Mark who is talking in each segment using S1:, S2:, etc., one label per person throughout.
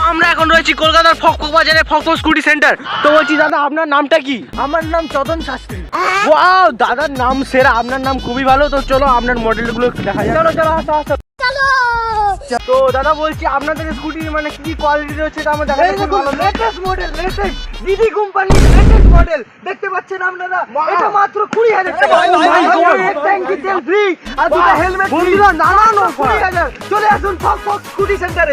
S1: আমরা এখন রয়েছি কলকাতার ফকফক বাজারে ফকফক স্কুটি সেন্টার। তো বলছি দাদা আপনার নামটা কি?
S2: আমার নাম চদন শাস্ত্রী।
S1: ওয়াও, দাদার নাম সেরা, আপনার নাম খুবই ভালো। তো চলো আপনার মডেলগুলো একটু দেখা যাক।
S2: চলো চলো আসো আসো।
S1: তো দাদা বলছি আপনাদের স্কুটি মানে কি কোয়ালিটি রয়েছে এটা আমরা দেখাতে খুব ভালো।
S2: লেটেস্ট মডেল, লেটেস্ট দিদি কোম্পানি লেটেস্ট মডেল দেখতে পাচ্ছেন আপনারা। এটা মাত্র 20,000 টাকা। এক ট্যাঙ্কি তেল ফ্রি আর দুটো হেলমেট ফ্রি।
S1: বন্ধুরা নানান অফার।
S2: 20,000। চলে আসুন ফকফক স্কুটি সেন্টারে।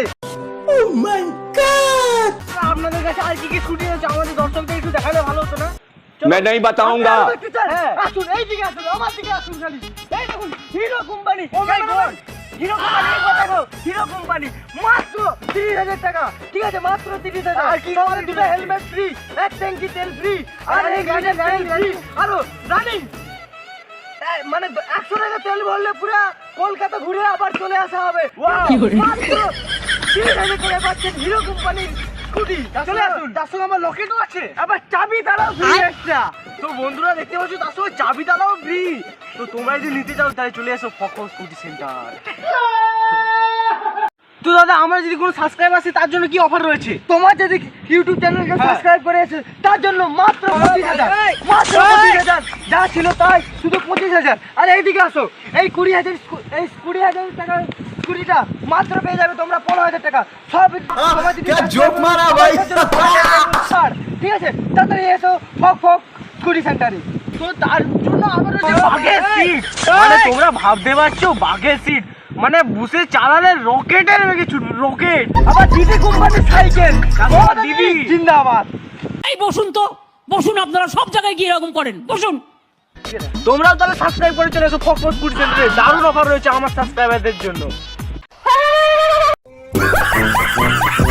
S1: আপনাদের কাছে আর কি কি স্কুটি রয়েছে আমাদের দর্শকদের একটু দেখালে ভালো হতো না?
S3: मैं नहीं बताऊंगा।
S2: আসুন এইদিকে আসুন, আমার দিকে আসুন খালি। এই দেখুন Hero company. Hero company Hero company মাত্র 30,000 টাকা। ঠিক আছে, মাত্র 30,000।
S1: আর কি
S2: সঙ্গে দুটো হেলমেট ফ্রি, এক ট্যাঙ্কি তেল ফ্রি আর এক লিটার তেল ফ্রি। আরো রানিং মানে 100 টাকা তেল ভরলে পুরো কলকাতা ঘুরে আবার চলে আসা হবে। মাত্র 30,000 করে পাচ্ছেন হিরো কোম্পানির স্কুটি। চলে আসুন।
S1: তার সঙ্গে আমার লকেটও আছে।
S2: আবার চাবি তারাও ফ্রি এক্সট্রা।
S1: তো বন্ধুরা দেখতে পাচ্ছ তার সঙ্গে চাবি তালাও ফ্রি। তো তোমরা যদি নিতে চাও তাহলে চলে এসো ফকফক স্কুটি সেন্টার। তো দাদা আমরা যদি কোনো সাবস্ক্রাইব আসে তার জন্য কি অফার রয়েছে?
S2: তোমার যদি ইউটিউব চ্যানেলকে সাবস্ক্রাইব করে আছে তার জন্য মাত্র 25,000। মাত্র 25,000। যা ছিল তাই, শুধু 25,000। আর এইদিকে আসো, এই 20,000 টাকা স্কুটিটা মাত্র পেয়ে যাবে তোমরা 15,000 টাকা। সব তোমার যদি
S3: जोक मारा भाई।
S2: ছাড়। ঠিক আছে, তাড়াতাড়ি এসো ফকফক স্কুটি সেন্টারে।
S1: তো তার জন্য আবার রয়েছে বাঘের সিট। মানে তোমরা ভাবতে পারছো বাঘের সিট মানে বুসে চালালে রকেটের বেগে ছুটবে, রকেট।
S2: আবার দিদি কোম্পানির সাইকেল।
S1: ও দিদি
S2: জিন্দাবাদ।
S4: এই বসুন তো, বসুন, আপনারা সব জায়গায় গিয়ে এরকম করেন, বসুন।
S1: তোমরাও তাহলে সাবস্ক্রাইব করে চলে এসো ফকফক স্কুটি সেন্টারে। দারুণ অফার রয়েছে আমার সাবস্ক্রাইবারদের জন্য।